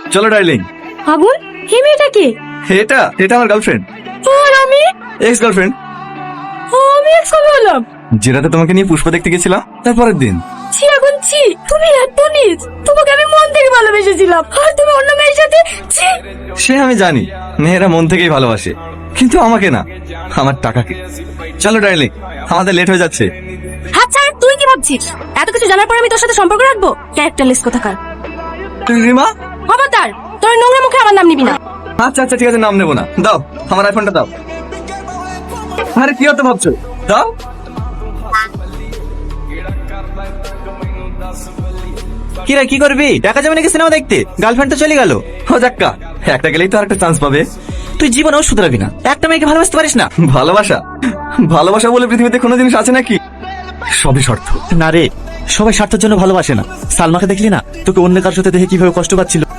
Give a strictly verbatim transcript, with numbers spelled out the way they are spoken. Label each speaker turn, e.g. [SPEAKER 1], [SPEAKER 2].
[SPEAKER 1] চলো ডার্লিং।
[SPEAKER 2] আগুন, হে মেয়েটা কে?
[SPEAKER 1] এটা এটা আমার গার্লফ্রেন্ড।
[SPEAKER 2] আর আমি?
[SPEAKER 1] Ex girlfriend.
[SPEAKER 2] আমি এক সময় হলাম।
[SPEAKER 1] যে রাতে তোমাকে নিয়ে পুষ্পা দেখতে গেছিলাম তারপরের দিন।
[SPEAKER 2] ছি আগুন ছি, তুমি এত নিজ। তোমাকে আমি মন থেকে ভালোবেসেছিলাম আর তুমি অন্য মেয়ের সাথে। ছি।
[SPEAKER 1] সে আমি জানি, মেয়েরা মন থেকেই ভালোবাসে, কিন্তু আমাকে না, আমার টাকাকে। চলো ডার্লিং, আমাদের লেট হয়ে যাচ্ছে।
[SPEAKER 2] আচ্ছা তুই কি ভাবছিস? এত কিছু জানার পর আমি তোর সাথে সম্পর্ক রাখবো? ক্যারেক্টারলেস কোথাকার।
[SPEAKER 1] রিমা,
[SPEAKER 2] খবরদার, তোর নোংরা মুখে আমার নাম নিবি না।
[SPEAKER 1] আচ্ছা আচ্ছা ঠিক আছে, নাম নেবো না। দাও আমার আইফোনটা দাও। আরে কি হতো ভাবছো? দাও।
[SPEAKER 3] কিরা কি করবি? টাকা জমে নাকি সিনেমা দেখতে? গার্লফ্রেন্ড তো চলে গেল।
[SPEAKER 1] ও যাক্কা, একটা গেলেই তো আরেকটা চান্স পাবে।
[SPEAKER 3] তুই জীবনেও শুধরাবি না। একটা মেয়েকে ভালোবাসতে পারিস না?
[SPEAKER 1] ভালোবাসা ভালোবাসা বলে পৃথিবীতে কোনো জিনিস আছে নাকি? সবই শর্ত।
[SPEAKER 3] না রে, সবাই স্বার্থের জন্য ভালোবাসে না। সালমাকে দেখলি না? তোকে অন্য কারোর সাথে দেখে কিভাবে কষ্ট পাচ্ছিল।